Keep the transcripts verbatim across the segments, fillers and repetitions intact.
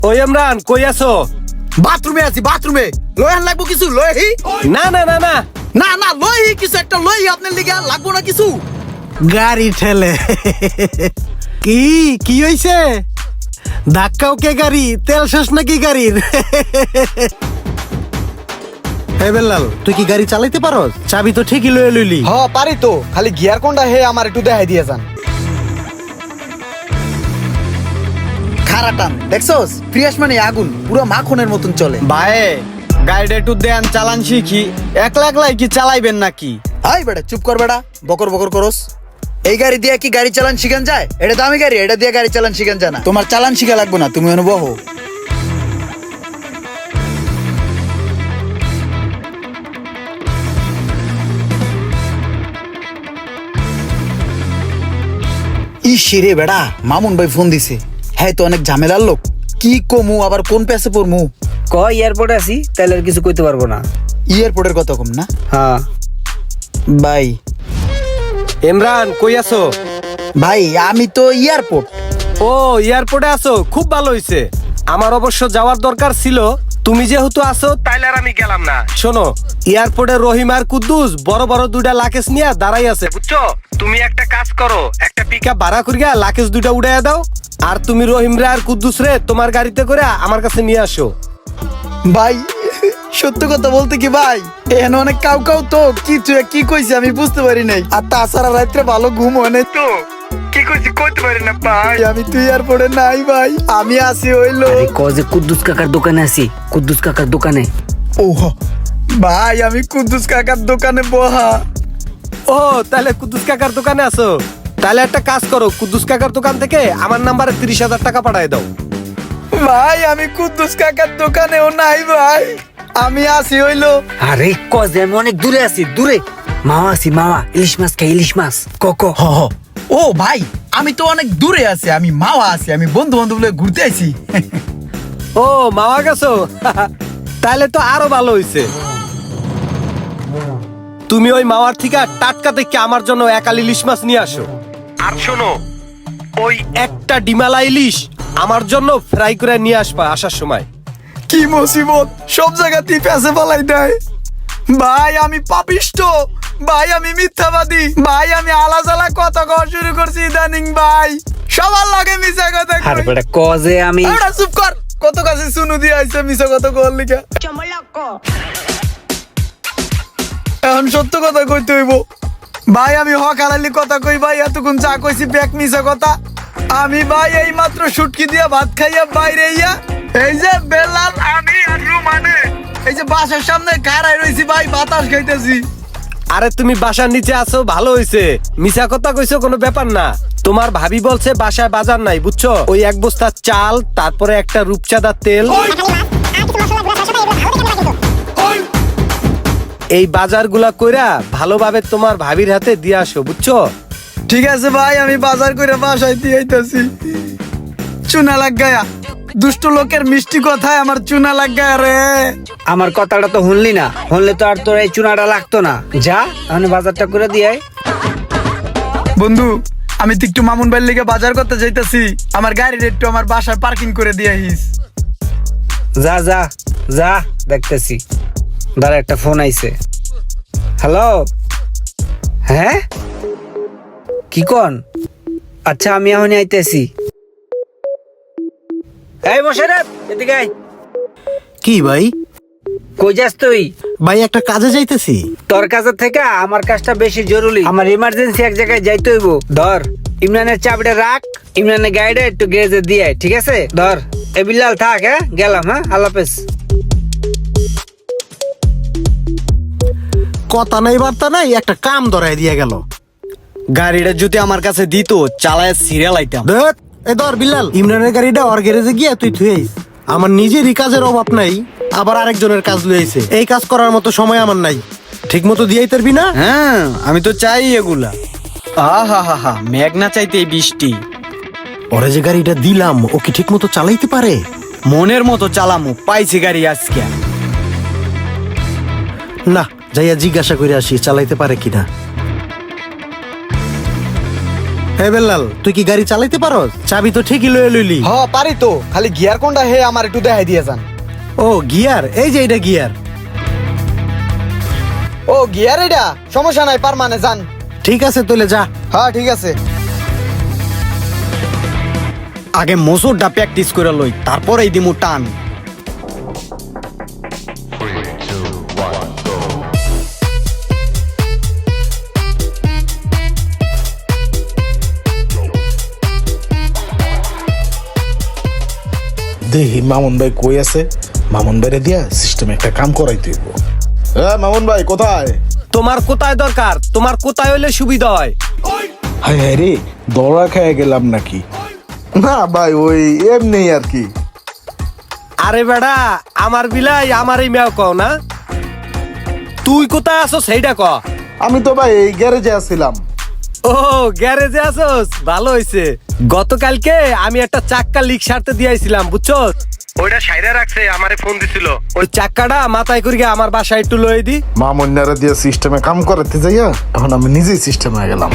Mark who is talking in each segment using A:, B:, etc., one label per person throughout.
A: ওই ইমরান কই আছো?
B: বাথরুমে আছি, বাথরুমে। লয়ান লাগবো কিছু লয়হি?
A: না না না না
B: না না লয়হি কিছু একটা লয়হি আপনার লিগে লাগবো না কিছু।
C: গাড়ি ঠেলে কি কি হইছে? ধাক্কাও কে গাড়ি? তেল শেষ নাকি গাড়ির? হে বেলাল, তুই কি গাড়ি চালাইতে পারো? চাবি তো ঠিকই লয়ে লইলি।
B: হ পারি তো, খালি গিয়ার কোনটা হে আমার একটু দেখাই দিয়ে যান। খারাটান দেখছস, ফ্রিয়াস মানে আগুন, পুরো মাখনের মতন চলে।
D: ভাই গাড়িটা একটু দেন, চালান শিখি। একলা একলাই কি চালাইবেন নাকি?
B: আই বেটা চুপ কর বেটা, বকর বকর করস। এই গাড়ি দিয়ে কি গাড়ি চালান শিখান যায়? এটা দামি গাড়ি, এটা দিয়ে গাড়ি চালান শিখান যায় না। তোমার চালান শিখা লাগবে না, তুমি অনুভব। ইস রে বেড়া, মামুন ভাই ফোন দিছে। হ্যাঁ তো অনেক ঝামেলার লোক। কি কমু আবার কোন পেছে পড়মু?
E: ক এয়ারপোর্টে আছি, তাহলে আর কিছু কইতে পারবো না।
B: এয়ারপোর্টের কথা কম না
E: হ্যাঁ
B: ভাই।
A: ইমরান কই আছো?
B: ভাই আমি তো এয়ারপোর্ট।
A: ও এয়ারপোর্টে আছো, খুব ভালো হইছে। আমার অবশ্য যাওয়ার দরকার ছিল, তুমি যেহেতু আছো তাইলে আর আমি গেলাম না। শোনো, এয়ারপোর্টে রহিম আর কুদ্দুস বড় বড় দুইটা লাকেজ নিয়ে দাঁড়াই আছে, বুঝছো? তুমি একটা কাজ করো, একটা পিকআপ ভাড়া করিয়া লাকেজ দুইটা উড়াইয়া দাও, আর তুমি রহিম রে আর কুদ্দুস রে তোমার গাড়িতে করে আমার কাছে নিয়ে আসো।
B: ভাই সত্য কথা বলতে কি ভাই, এখানে অনেক কাউ কাউ তো কিছু কি কইছে আমি বুঝতে পারি নাই। আর তাছাড়া রাত্রে ভালো ঘুম হয় নাই তো, কি কইছি কইতে পারি না ভাই। আমি তুই এয়ারপোর্টে নাই ভাই, আমি আসি হইলো।
E: আরে ক যে কুদ্দুস কাকার দোকানে আছি, কুদ্দুস কাকার দোকানে।
B: ও ভাই আমি কুদ্দুস কাকার দোকানে বহা।
A: ও তাহলে কুদ্দুস কাকার দোকানে আছো? তাহলে একটা কাজ করো, কুদ্দুস কাকার দোকান থেকে আমার নাম্বারে তিরিশ হাজার টাকা পাঠায় দাও।
B: ভাই আমি কুদ্দুস কাকার দোকানেও নাই ভাই, আমি আসি হইলো।
E: আরে ক যে আমি অনেক দূরে আছি, দূরে। মামা আছি, মামা ইলিশ মাছ খাই, ইলিশ মাছ। ক ক
B: হ হ। ও ভাই আমি তো অনেক দূরে আছি, আমি মাওয়া আছি, আমি বন্ধু বান্ধব লয়ে ঘুরতে আইছি।
A: ও মামা গেছো? তাহলে তো আরো ভালো হইছে। তুমি ওই মাওয়ার থেকে টাটকা থেকে আমার জন্য একাল ইলিশ মাছ নিয়ে আসো। আর শোনো, ওই একটা ডিমালা ইলিশ আমার জন্য ফ্রাই করে নিয়ে আসবা আসার সময়।
B: কি মুসিবত, সব জায়গাতেই পেছে ফলাই দেয়। ভাই আমি পাপিষ্ট, ভাই আমি মিথ্যাবাদী, ভাই আমি আলাজালা কথা কওয়া শুরু করছি ইদানিং ভাই। সবার লাগে মিছা কথা কই।
E: আরে বেটা ক যে আমি।
B: আরে চুপ কর, কত কাছে শুনু দিয়ে আইছে মিছা কথা কওয়ার লিগা। এখন সত্য কথা কইতে হইব ভাই, আমি হক হালালি কথা কই ভাই। এতক্ষণ চা কইছি ব্যাক মিছা কথা। আমি ভাই এই মাত্র শুটকি দিয়া ভাত খাইয়া বাইরে ইয়া, এই যে বেলাল আমি আর রুমানে এই যে বাসার সামনে খাড়াই রইছি ভাই, বাতাস খাইতেছি।
A: আরে তুমি বাসার নিচে আছো, ভালো হইছে। মিছা কথা কইছো কোনো ব্যাপার না। তোমার ভাবি বলছে বাসায় বাজার নাই, বুঝছো? ওই এক বস্তা চাল, তারপরে একটা রূপচাঁদার তেল, এই বাজারগুলা কইরা ভালোভাবে তোমার ভাবির হাতে দিয়ে আসো, বুঝছো?
B: ঠিক আছে ভাই, আমি বাজার করে বাসায় দিয়ে আইতাছি। চুনা লাগ গায়া, দুষ্ট লোকের মিষ্টি কথায় আমার চুনা লাগ গায়া রে।
E: আমার কথাটা তো শুনলি না, শুনলে তো আর তোর এই চুনাটা লাগতো না। যা আমি বাজারটা করে দিয়ে।
B: বন্ধু আমি তো একটু মামুন ভাইয়ের লিগে বাজার করতে যাইতাছি, আমার গাড়ির একটু আমার বাসায় পার্কিং করে দিয়ে আইস।
E: যা যা যা, দেখতেছি। দাঁড়া একটা ফোন আইছে। হ্যালো, হ্যাঁ কি কন? আচ্ছা আমি এখন আইতেছি। এই মোশাররফ এদিকে আয়।
C: কি ভাই?
E: কই যাস তুই?
C: ভাই একটা কাজে যাইতেছি।
E: তোর কাছে থেকে আমার কাজটা বেশি জরুরি, আমার ইমার্জেন্সি এক জায়গায় যাইতে হইব। ধর ইমরানের চাবিটা রাখ, ইমরানের গাড়িটা একটু গ্যারেজে দিয়ে আয়, ঠিক আছে? ধর এ বিল্লাল থাক, হ্যাঁ গেলাম, হ্যাঁ আল্লাহ হাফেজ।
C: কথা নাই বার্তা নাই, একটা কাম ধরাই দিয়ে গেল।
D: গাড়িটা যদি আমার কাছে দিত, চালায় সিরিয়াল আইতাম।
C: দেখ এ ধর বিল্লাল, ইমরানের গাড়িটা ওর গ্যারেজে গিয়া তুই থুয়ে আইস। আমার নিজেরই কাজের অভাব নাই, আবার আরেকজনের কাজ লইছে। এই কাজ করার মতো সময় আমার নাই। ঠিক মতো দিয়েই পারবি না?
D: হ্যাঁ আমি তো চাই এগুলা। আহা হা হা, মেঘ না চাইতে এই বৃষ্টি।
C: ওরে যে গাড়িটা দিলাম, ও কি ঠিক মতো চালাইতে পারে?
D: মনের মতো চালামু, পাইছি গাড়ি আজকে।
C: না, যাইয়া জিজ্ঞাসা করে আসি চালাইতে পারে কিনা। হে বেল্লাল, তুই কি গাড়ি চালাইতে পারস? চাবি তো ঠিকই লয়ে লইলি।
D: হ পারি তো, খালি গিয়ার কোনটা হে আমার একটু দেখাই দিয়ে যান।
C: ও গিয়ার, এই যে এটা গিয়ার।
D: ও গিয়ার, এটা সমস্যা নাই, পার মানে যান।
C: ঠিক আছে তাহলে যা।
D: হ্যাঁ ঠিক আছে।
F: আগে মোসরটা প্র্যাকটিস করে লই, তারপর এই দিমু টান।
G: দেখি মামুন ভাই কই আছে। মামুন ভাইরে দিয়া সিস্টেমে একটা কাম করাইতে হইব। হ্যাঁ মামুন ভাই কোথায়?
A: তোমার কোথায় দরকার? তোমার কোথায় হলে সুবিধা হয়?
G: হাই হাই রে, দৌড়া খেয়ে গেলাম নাকি? না ভাই, ওই এমনি আর কি।
A: আরে বেড়া, আমার বিলাই আমারই মেও কও না। তুই কোথায় আছো সেইটা ক।
G: আমি তো ভাই এই গ্যারেজে আছিলাম।
A: ও গ্যারেজে আছোস, ভালো হইছে। গতকালকে আমি একটা চাক্কা লিক সারতে দিয়েছিলাম, বুঝছো? ওইটা সাইরা রাখছে, আমারে ফোন দিছিল। ওই চাক্কাটা মাথায় করে আমার বাসায় একটু লয়ে দি।
G: মামুন্যারা দিয়ে সিস্টেমে কাম করাতে যাইয়া এখন আমি নিজেই সিস্টেমে হয়ে গেলাম।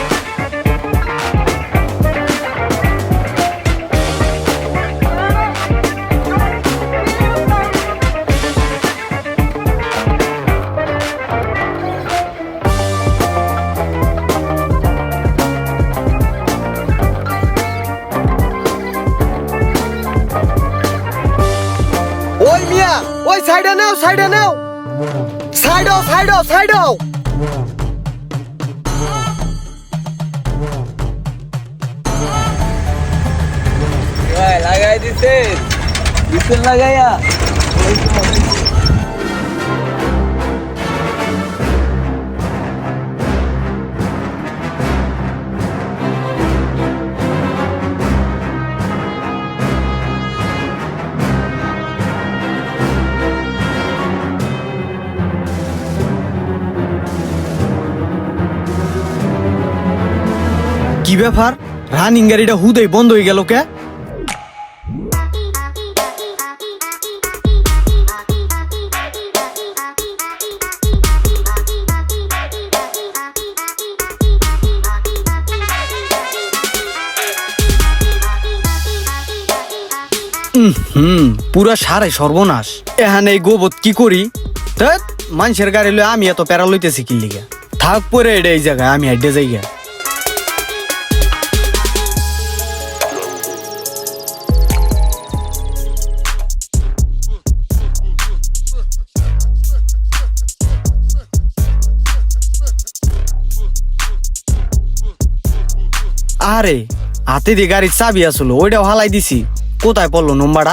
D: ওই মিয়া, ওই সাইডে নাও, সাইডে নাও, সাইড হও, সাইড হও, সাইড হও।
E: লাগাই দিছে বিছুন লাগাইয়া।
F: কি ব্যাপার, রানিং গাড়িটা হুদেই বন্ধ হয়ে গেল কে? হুম পুরা সারে সর্বনাশ। এখানে এই গোবত কি করি? ধ্যাৎ, মানুষের গাড়ি লই আমি এত প্যারা লইতেছি কি লিগা? থাক পরে এটা এই জায়গায়, আমি হেডে যাই গা। আরে হাতে দিয়ে গাড়ির চাবি আসলো, ওইটাও হালাই দিছি। কোথায় পড়লো নম্বরটা?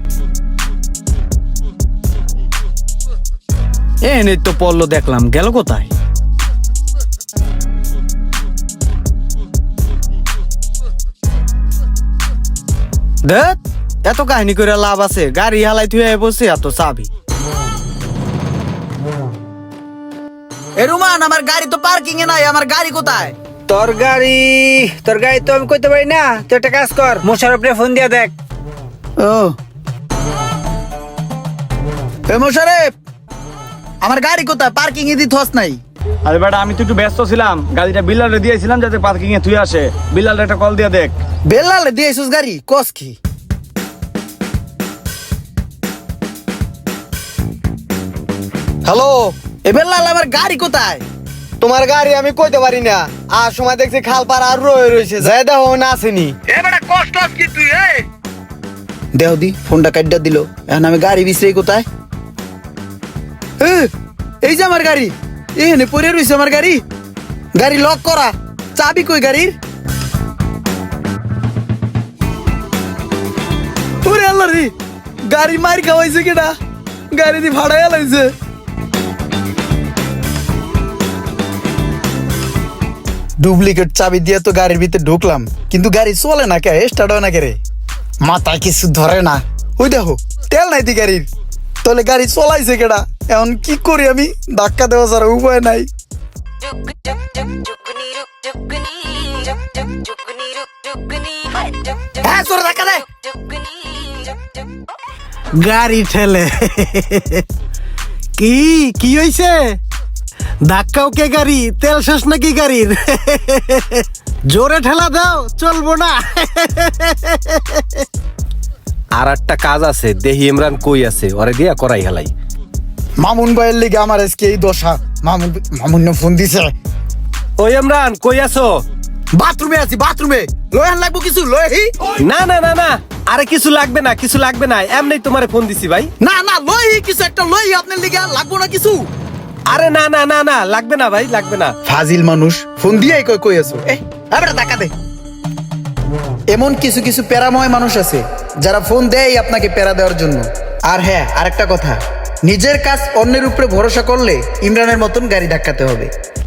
F: এনে তো পড়লো, দেখলাম গেল কোথায়? দেখ, এত কাহিনী করে লাভ আছে? গাড়ি হালাই তুই বসে এত চাবি।
B: এ রুমান, আমার গাড়ি তো পার্কিং এ নাই, আমার গাড়ি কোথায়?
E: তোর গাড়ি, তোর গাড়ি তো আমি কইতে পারি না। তুই একটা কাজ কর, মোশারফরে ফোন দিয়া দেখ।
B: ও এ মোশারেফ, আমার গাড়ি কোথায়? পার্কিং এ দিতে হস নাই?
H: আরে বেটা, আমি তো একটু ব্যস্ত ছিলাম, গাড়িটা বিল্লালে দিয়েছিলাম যাতে পার্কিং এ তুই আসে। বিল্লালে একটা কল দিয়ে দেখ।
B: বেলালে দিয়েছিস গাড়ি? কস কি?
D: হ্যালো,
B: এ বেলাল, আমার গাড়ি কোথায়?
D: তোমার গাড়ি আমি কইতে পারি না। আর সময় দেখছি খাল পার আর রয়ে রয়েছে, যাই দেখো না আসেনি।
A: এবারে কষ্ট কি তুই? এই
B: দেও দি, ফোনটা কাটটা দিল। এখন আমি গাড়ি বিছরাই কোথায়? এ, এই যে আমার গাড়ি, এখানে পড়ে রয়েছে আমার গাড়ি। গাড়ি লক করা, চাবি কই গাড়ির? ওরে আল্লাহ রে, গাড়ি মার খাওয়াইছে কেডা? গাড়ি দি ভাড়ায় লাইছে। ডুপ্লিকেট চাবি দিয়ে তো গাড়ির ভিতরে ঢুকলাম, কিন্তু গাড়ি চলে না কে? স্টার্ট হয় না কে রে? মাথায় কিছু ধরে না। ওই দেখো, তেল নাই দি গাড়ির। তাহলে গাড়ি চলাইছে কেডা? এখন কি করি আমি? ধাক্কা দেওয়া ছাড়া উপায় নাই। হ্যাঁ, তোর ধাক্কা দে।
C: গাড়ি ঠেলে। কি কি হইছে? ধাক্কাও কে গাড়ি? তেল শেষ নাকি গাড়ির? জোরে ঠেলা দাও, চলবো না।
A: আর একটা কাজ আছে, দেহি ইমরান কই আছে, ওরে দিয়া করাই হেলাই।
B: মামুন ভাইয়ের লিগে আমার আজকে এই দশা। মামুন মামুন ফোন দিছে।
A: ওই ইমরান কই আছো?
B: বাথরুমে আছি, বাথরুমে। লয়ান লাগবো কিছু লয়হি?
A: না না না না, আরে কিছু লাগবে না, কিছু লাগবে না, এমনি তোমারে ফোন দিছি ভাই।
B: না না লয়হি কিছু একটা লয়হি আপনার লিগে, লাগবো না কিছু।
A: আরে না না না না, লাগবে না ভাই, লাগবে না।
B: ফাজিল মানুষ ফোন দিয়ে কই কই আছো? এ আবার টাকা দে। এমন কিছু কিছু প্যারাময় মানুষ আছে যারা ফোন দেয় আপনাকে প্যারা দেওয়ার জন্য। আর হ্যাঁ, আরেকটা কথা, নিজের কাজ অন্যের উপরে ভরসা করলে ইমরানের মতন গাড়ি ধাক্কাতে হবে।